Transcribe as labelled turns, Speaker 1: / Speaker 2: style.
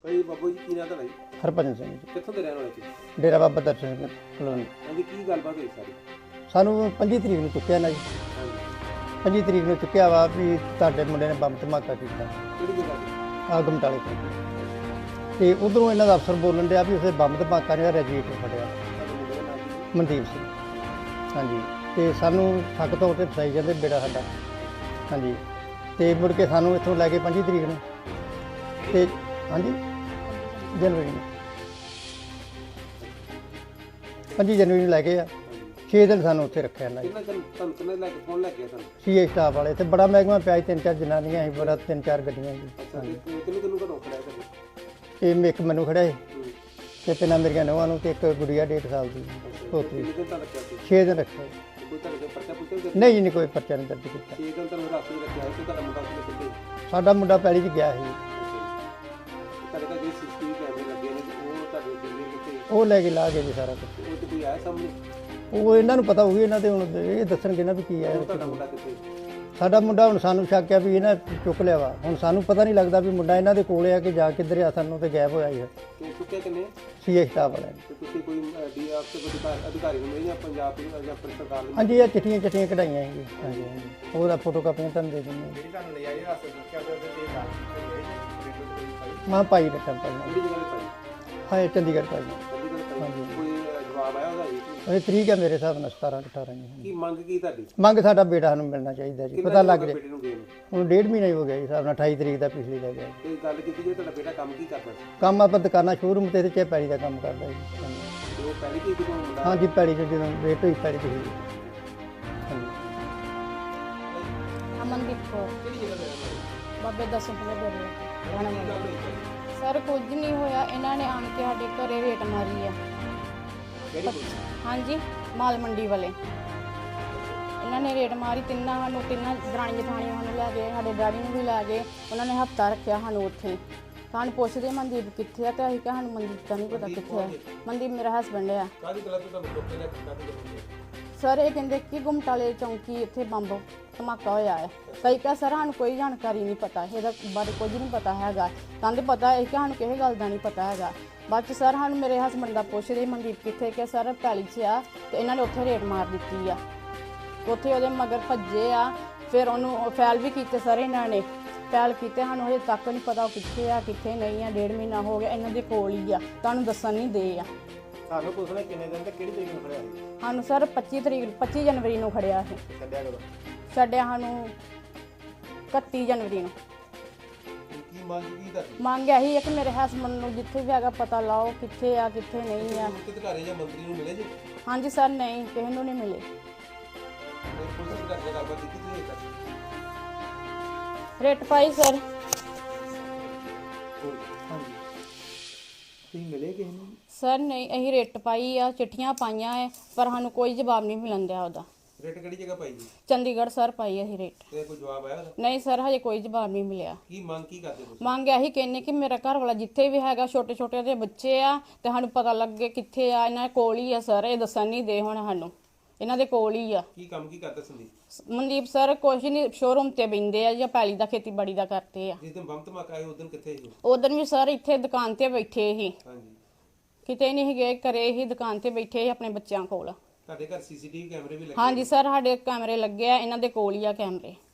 Speaker 1: ਭਾਈ ਬਾਬੂ ਜੀ ਕੀ ਨਾਂ ਤੁਹਾਡਾ ਜੀ?
Speaker 2: ਹਰਭਜਨ ਸਿੰਘ ਜੀ,
Speaker 1: ਕਿੱਥੋਂ ਦੇ ਰਹਿਣ ਵਾਲੇ ਤੁਸੀਂ?
Speaker 2: ਡੇਰਾ ਬਾਬਾ ਦਰਸ਼ਨ ਸਿੰਘ ਕਲੋਨੀ।
Speaker 1: ਹਾਂਜੀ ਕੀ ਗੱਲਬਾਤ ਹੋਈ ਸਾਰੀ?
Speaker 2: ਸਾਨੂੰ 25 ਤਰੀਕ ਨੂੰ ਚੁੱਕਿਆ ਨਾ ਜੀ,
Speaker 1: ਹਾਂਜੀ
Speaker 2: 25 ਤਰੀਕ ਨੂੰ ਚੁੱਕਿਆ ਵਾ ਵੀ ਤੁਹਾਡੇ ਮੁੰਡੇ ਨੇ ਬੰਬ ਧਮਾਕਾ ਕੀਤਾ
Speaker 1: ਕਿਹੜੀ ਜਗ੍ਹਾ ਤੇ?
Speaker 2: ਆ ਗਮਟਾਲੇ ਤੋਂ। ਤੇ ਉਧਰੋਂ ਇਹਨਾਂ ਦਾ ਅਫਸਰ ਬੋਲਣ ਡਿਆ ਵੀ ਉਸੇ ਬੰਬ ਧਮਾਕਾ ਨੇ ਰੈਜੀਟਰ ਫੜਿਆ,
Speaker 1: ਤੁਹਾਡੇ ਮੁੰਡੇ ਦਾ ਨਾਮ ਕੀ?
Speaker 2: ਮਨਦੀਪ ਸਿੰਘ। ਹਾਂਜੀ, ਤੇ ਸਾਨੂੰ ਠੱਗ ਤੌਰ ਤੇ ਫਸਾਈ ਜਾਂਦੇ ਬੇੜਾ ਸਾਡਾ। ਹਾਂਜੀ, ਤੇ ਮੁੜ ਕੇ ਸਾਨੂੰ ਇੱਥੋਂ ਲੈ ਕੇ 25 ਤਰੀਕ ਨੂੰ ਤੇ ਹਾਂਜੀ ਜਨਵਰੀ ਨੂੰ 25 ਜਨਵਰੀ ਨੂੰ ਲੈ ਕੇ ਆ 6 ਦਿਨ ਸਾਨੂੰ ਉੱਥੇ ਰੱਖਿਆ ਇਹਨਾਂ ਨੇ।
Speaker 1: ਤੁਹਾਨੂੰ ਕਿੰਨੇ ਲੈ ਕੇ ਕੌਣ ਲੈ ਗਿਆ ਤੁਹਾਨੂੰ?
Speaker 2: ਸੀਏ ਸਟਾਫ ਵਾਲੇ ਤੇ ਬੜਾ ਮਹਿਕਮਾ ਪਿਆ ਸੀ, 3-4 ਜਨਾਨੀਆਂ ਸੀ, ਬੜਾ 3-4 ਗੱਡੀਆਂ ਸੀ।
Speaker 1: ਅੱਛਾ ਕਿੰਨੇ ਘਰੋਂ ਖੜਿਆ ਤੁਹਾਡੇ?
Speaker 2: ਇਹ ਇੱਕ ਮੈਨੂੰ ਖੜਿਆ ਸੀ ਤੇ ਤਿੰਨਾਂ ਮੇਰੀਆਂ ਨੌਵਾਂ ਨੂੰ ਤੇ ਇੱਕ ਗੁੜੀਆ 1.5 ਸਾਲ ਦੀ ਪੋਤਰੀ।
Speaker 1: ਕਿੰਨੇ ਦਿਨ ਤਾਂ ਰੱਖਿਆ ਸੀ?
Speaker 2: 6 ਦਿਨ ਰੱਖਿਆ।
Speaker 1: ਕੋਈ ਤੁਹਾਡੇ ਕੋਲ ਪਰਚਾ ਪੁੱਛਿਆ ਸੀ?
Speaker 2: ਨਹੀਂ ਨਹੀਂ, ਕੋਈ ਪਰਚਾ ਨਹੀਂ ਦਰਜ ਕੀਤਾ।
Speaker 1: 6 ਦਿਨ ਤੁਹਾਨੂੰ ਰਾਸਤੇ ਰੱਖਿਆ ਸੀ। ਤੁਹਾਡਾ ਮੁੰਡਾ ਕਿੱਥੇ ਕਿੱਥੇ?
Speaker 2: ਸਾਡਾ ਮੁੰਡਾ ਪੈਲੀ 'ਚ ਗਿਆ ਸੀ,
Speaker 1: ਤੁਹਾਡੇ ਕੋਲ ਜਿਹੜੇ ਸੀਸੀਟੀਵੀ ਕੈਮਰੇ ਲੱਗੇ ਨੇ ਉਹ ਤੁਹਾਡੇ ਦਿੱਲੀ ਕਿੱਥੇ?
Speaker 2: ਉਹ ਲੈ ਕੇ ਲਾ ਗਏ ਜੀ ਸਾਰਾ ਕੁਝ।
Speaker 1: ਉਹ ਤੇ ਕੋਈ ਆਇਆ ਸਾਹਮਣੇ?
Speaker 2: ਉਹ ਇਹਨਾਂ ਨੂੰ ਪਤਾ ਹੋਊਗੀ, ਇਹਨਾਂ ਦੇ ਹੁਣ ਇਹ ਦੱਸਣਗੇ ਨਾ ਵੀ ਕੀ ਆਇਆ।
Speaker 1: ਤੁਹਾਡਾ ਮੁੰਡਾ ਕਿੱਥੇ?
Speaker 2: ਸਾਡਾ ਮੁੰਡਾ ਹੁਣ ਸਾਨੂੰ ਸ਼ੱਕ ਆ ਵੀ ਇਹਨਾਂ ਚੁੱਕ ਲਿਆ ਵਾ। ਹੁਣ ਸਾਨੂੰ ਪਤਾ ਨਹੀਂ ਲੱਗਦਾ ਵੀ ਮੁੰਡਾ ਇਹਨਾਂ ਦੇ ਕੋਲ ਆ ਕਿ ਜਾ ਕਿੱਧਰ ਆ, ਸਾਨੂੰ ਤੇ ਗਾਇਬ ਹੋਇਆ ਹੀ ਹੈ।
Speaker 1: ਕਿਉਂ ਚੁੱਕਿਆ ਕਿੰਨੇ?
Speaker 2: ਸੀਏ ਸਟਾਫ ਵਾਲਿਆਂ ਨੇ।
Speaker 1: ਤੇ ਤੁਸੀਂ ਕੋਈ ਡੀਆਰ ਤੇ ਕੋਈ ਅਧਿਕਾਰੀ ਨੂੰ ਮਿਲੇ ਜਾਂ ਪੰਜਾਬ ਪੁਲਿਸ ਜਾਂ ਸਰਕਾਰ ਨੂੰ?
Speaker 2: ਹਾਂਜੀ, ਇਹ ਚਿੱਠੀਆਂ ਕਢਾਈਆਂ ਸੀ। ਹਾਂਜੀ ਹਾਂਜੀ, ਉਹਦਾ ਫੋਟੋ ਕਾਪੀਆਂ ਤੁਹਾਨੂੰ ਦੇ ਦਿੰਦੇ
Speaker 1: ਜਿਹੜੀ ਤੁਹਾਨੂੰ ਨਜਾਇਜ਼ ਰਾਸਤੇ ਦੱਸਿਆ ਉਹਦੇ ਤੇ
Speaker 2: ਮਾਂ ਭਾਈ ਰੱਖਾਂ ਪਾਈ।
Speaker 1: ਕਿਹੜੀ ਜਗ੍ਹਾ ਤੇ ਪਾਈ?
Speaker 2: ਹਾਂ, ਚੰਡੀਗੜ੍ਹ ਪਾਈ।
Speaker 1: ਚੰਡੀਗੜ੍ਹ ਪਾਈ। ਕੋਈ ਜਵਾਬ ਆਇਆ ਉਹਦਾ ਜੀ?
Speaker 2: ਇਹ ਤਰੀਕ ਹੈ ਮੇਰੇ ਹਿਸਾਬ ਨਾਲ 17-18 ਜੀ।
Speaker 1: ਕੀ ਮੰਗ ਕੀ ਤੁਹਾਡੀ?
Speaker 2: ਮੰਗ ਸਾਡਾ ਬੇਟਾ ਸਾਨੂੰ ਮਿਲਣਾ ਚਾਹੀਦਾ ਜੀ, ਪਤਾ ਲੱਗ ਜਾਏ।
Speaker 1: ਬੇਟੇ ਨੂੰ ਗਏ ਨੇ
Speaker 2: ਹੁਣ 1.5 ਮਹੀਨਾ ਹੀ ਹੋ ਗਿਆ ਜੀ, ਹਿਸਾਬ ਨਾਲ 28 ਤਰੀਕ ਦਾ ਪਿਛਲੀ ਦਾ ਗਿਆ।
Speaker 1: ਤੇ ਗੱਲ ਕੀਤੀ ਜੇ ਤੁਹਾਡਾ ਬੇਟਾ ਕੰਮ ਕੀ ਕਰਦਾ ਸੀ?
Speaker 2: ਕੰਮ ਆਪਾਂ ਦੁਕਾਨਾਂ ਸ਼ੋਰੂਮ ਤੇ ਚੇ ਪੈੜੀ ਦਾ ਕੰਮ ਕਰਦਾ ਜੀ।
Speaker 1: ਤੇ ਉਹ ਪਹਿਲੀ ਕੀ ਜਦੋਂ ਮੁੰਡਾ?
Speaker 2: ਹਾਂਜੀ, ਪੈੜੀ 'ਚ ਜਦੋਂ ਰੇਟ ਹੋਈ ਪੈੜੀ ਤੇ ਹਾਂਜੀ।
Speaker 3: ਅਮਨਦੀਪ ਕੌਰ
Speaker 1: ਕਿਹੜੀ ਜਗ੍ਹਾ ਤੇ ਰਹਿੰਦਾ ਹੈ?
Speaker 3: ਬਾਬੇ ਦਸਮ ਦੇ ਡੇਰੇ ਰਹਿਣ
Speaker 1: ਕੀ ਗੱਲ
Speaker 3: ਵਾਲੀ।
Speaker 1: ਹੋਈ ਭਾਈ?
Speaker 3: ਸਰ ਕੁਝ ਨਹੀਂ ਹੋਇਆ, ਇਹਨਾਂ ਨੇ ਆਣ ਕੇ ਸਾਡੇ ਘਰੇ ਰੇਟ ਮਾਰੀ ਆ।
Speaker 1: ਕਿਹੜੀ ਪੁਲਿਸ?
Speaker 3: ਹਾਂਜੀ, ਮਾਲ ਮੰਡੀ ਵਾਲੇ ਇਹਨਾਂ ਨੇ ਰੇਟ ਮਾਰੀ। ਤਿੰਨਾਂ ਦਰਾਣੀ ਜਠਾਣੀਆਂ ਸਾਨੂੰ ਲੈ ਗਏ, ਸਾਡੇ ਡੈਡੀ ਨੂੰ ਵੀ ਲੈ ਗਏ। ਉਹਨਾਂ ਨੇ ਹਫਤਾ ਰੱਖਿਆ ਸਾਨੂੰ ਉੱਥੇ। ਸਾਨੂੰ ਪੁੱਛਦੇ ਮਨਦੀਪ ਕਿੱਥੇ ਆ, ਤੇ ਅਸੀਂ ਕਿਹਾ ਸਾਨੂੰ ਮਨਦੀਪ ਦਾ ਨਹੀਂ ਪਤਾ ਕਿੱਥੇ ਆ। ਮਨਦੀਪ ਮੇਰਾ ਹਸਬੈਂਡ ਆ।
Speaker 1: ਕਾਹਦੀ ਗੱਲ ਤੋਂ ਤੁਹਾਨੂੰ ਚੁੱਕ ਕੇ ਲੈ ਕੇ ਕਾਹਦੀ ਗੱਲ?
Speaker 3: ਸਰ ਇਹ ਕਹਿੰਦੇ ਕਿ ਗੁਮਟਾਲੇ ਚੌਂਕੀ ਇੱਥੇ ਬੰਬ ਧਮਾਕਾ ਹੋਇਆ ਹੈ। ਕਈ ਕਿਹਾ ਸਰ ਸਾਨੂੰ ਕੋਈ ਜਾਣਕਾਰੀ ਨਹੀਂ ਪਤਾ, ਇਹਦਾ ਬਾਰੇ ਕੁਝ ਨਹੀਂ ਪਤਾ ਹੈਗਾ। ਕਹਿੰਦੇ ਪਤਾ ਹੈ ਕਿ ਸਾਨੂੰ ਕਿਸੇ ਗੱਲ ਦਾ ਨਹੀਂ ਪਤਾ ਹੈਗਾ। ਬਾਅਦ 'ਚ ਸਰ ਸਾਨੂੰ ਮੇਰੇ ਹਸਬੈਂਡ ਦਾ ਪੁੱਛਦੇ ਮਨਦੀਪ ਕਿੱਥੇ, ਕਿ ਸਰ ਪੈਲੀ 'ਚ ਆ ਤੇ ਇਹਨਾਂ ਨੇ ਉੱਥੇ ਰੇਟ ਮਾਰ ਦਿੱਤੀ ਆ। ਉੱਥੇ ਉਹਦੇ ਮਗਰ ਭੱਜੇ ਆ, ਫਿਰ ਉਹਨੂੰ ਫੈਲ ਵੀ ਕੀਤੇ ਸਰ ਇਹਨਾਂ ਨੇ। ਫੈਲ ਕੀਤੇ, ਸਾਨੂੰ ਹਜੇ ਤੱਕ ਨਹੀਂ ਪਤਾ ਉਹ ਕਿੱਥੇ ਆ ਕਿੱਥੇ ਨਹੀਂ ਆ। 1.5 ਮਹੀਨਾ ਹੋ ਗਿਆ, ਇਹਨਾਂ ਦੇ ਕੋਲ ਹੀ ਆ, ਤੁਹਾਨੂੰ ਦੱਸਣ ਨਹੀਂ ਦੇ ਆ।
Speaker 1: ਤੁਹਾਨੂੰ ਪੁੱਛਣਾ ਕਿੰਨੇ ਦਿਨ ਤੇ ਕਿਹੜੀ ਤਰੀਕ ਨੂੰ ਖੜਿਆ ਸੀ?
Speaker 3: ਸਾਨੂੰ ਸਰ 25 ਜਨਵਰੀ ਨੂੰ ਖੜਿਆ ਸੀ।
Speaker 1: ਛੱਡਿਆ ਕਦੋਂ?
Speaker 3: ਛੱਡਿਆ ਸਾਨੂੰ 31 ਜਨਵਰੀ ਨੂੰ।
Speaker 1: ਕੀ ਮੰਗ ਕੀ ਤੁਹਾਡੀ?
Speaker 3: ਮੰਗ ਇਹੀ ਹੈ ਕਿ ਮੇਰੇ ਹਸਬੈਂਡ ਨੂੰ ਜਿੱਥੇ ਵੀ ਹੈਗਾ ਪਤਾ ਲਾਓ ਕਿੱਥੇ ਆ ਕਿੱਥੇ ਨਹੀਂ ਆ।
Speaker 1: ਅਧਿਕਾਰੀ ਜਾਂ ਮੰਤਰੀ ਨੂੰ ਮਿਲੇ ਜੀ?
Speaker 3: ਹਾਂਜੀ ਸਰ, ਨਹੀਂ ਕਿਸੇ ਨੂੰ ਨਹੀਂ ਮਿਲੇ।
Speaker 1: ਪੁਲਿਸ ਅਧਿਕਾਰੀ ਨਾਲ ਗੱਲਬਾਤ ਕੀਤੀ ਤੁਸੀਂ ਇਹ ਤੱਕ?
Speaker 3: ਰੇਟ ਪਾਈ ਸਰ।
Speaker 1: ਹਾਂਜੀ, ਤੁਸੀਂ ਮਿਲੇ ਕਿਸੇ ਨੂੰ?
Speaker 3: ਸਰ ਨਹੀਂ, ਅਸੀਂ ਰੇਟ ਪਾਈ ਆ, ਚਿੱਠੀਆਂ ਪਾਈਆਂ ਹੈ, ਪਰ ਸਾਨੂੰ ਕੋਈ ਜਵਾਬ ਨਹੀਂ ਮਿਲਣ ਦਿਆ ਉਹਦਾ।
Speaker 1: ਰੇਟ ਕਿਹੜੀ ਜਗ੍ਹਾ ਪਾਈ ਜੀ?
Speaker 3: ਚੰਡੀਗੜ੍ਹ ਸਰ ਪਾਈ ਅਸੀਂ ਰੇਟ।
Speaker 1: ਤੇ ਕੋਈ ਜਵਾਬ ਆਇਆ ਉਹਦਾ?
Speaker 3: ਨਹੀਂ ਸਰ, ਹਜੇ ਕੋਈ ਜਵਾਬ ਨਹੀਂ ਮਿਲਿਆ।
Speaker 1: ਕੀ ਮੰਗ ਕੀ ਕਰਦੇ ਤੁਸੀਂ?
Speaker 3: ਮੰਗ ਇਹੀ ਕਹਿੰਨੇ ਕਿ ਮੇਰਾ ਘਰ ਵਾਲਾ ਜਿੱਥੇ ਵੀ ਹੈਗਾ, ਛੋਟੇ ਛੋਟੇ ਉਹਦੇ ਬੱਚੇ ਆ, ਤੇ ਸਾਨੂੰ ਪਤਾ ਲੱਗੇ ਕਿੱਥੇ ਆ। ਇਹਨਾਂ ਦੇ ਕੋਲ ਹੀ ਆ ਸਰ, ਇਹ ਦੱਸਣ ਨਹੀਂ ਦੇ ਹੁਣ ਸਾਨੂੰ, ਇਹਨਾਂ ਦੇ ਕੋਲ ਹੀ ਆ।
Speaker 1: ਕੀ ਕੰਮ ਕੀ ਕਰਦਾ ਸੰਦੀਪ?
Speaker 3: ਮਨਦੀਪ ਸਰ ਕੁਛ ਨਹੀਂ, ਸ਼ੋਰੂਮ ਤੇ ਬਹਿੰਦੇ ਆ ਜਾਂ ਪੈਲੀ ਦਾ ਖੇਤੀਬਾੜੀ ਦਾ ਕਰਦੇ ਆ।
Speaker 1: ਜਿਸ ਦਿਨ ਬੰਬ ਧਮਾਕਾ ਆਇਆ ਉਸ ਦਿਨ ਕਿੱਥੇ ਸੀ?
Speaker 3: ਉਦੋਂ ਵੀ ਸਰ ਇੱਥੇ ਦੁਕਾਨ ਤੇ ਬੈਠੇ ਸੀ,
Speaker 1: ਹਾਂਜੀ,
Speaker 3: ਕਿਤੇ ਨਹੀਂ ਗਏ, ਘਰੇ ਹੀ ਦੁਕਾਨ ਤੇ ਬੈਠੇ ਸੀ ਆਪਣੇ ਬੱਚਿਆਂ ਕੋਲ।
Speaker 1: ਤੁਹਾਡੇ ਘਰ ਸੀਸੀਟੀਵੀ ਕੈਮਰੇ ਵੀ ਲੱਗੇ?
Speaker 3: ਹਾਂਜੀ ਸਰ, ਸਾਡੇ ਕੈਮਰੇ ਲੱਗੇ ਆ, ਇਹਨਾਂ ਦੇ ਕੋਲ ਹੀ ਆ ਕੈਮਰੇ।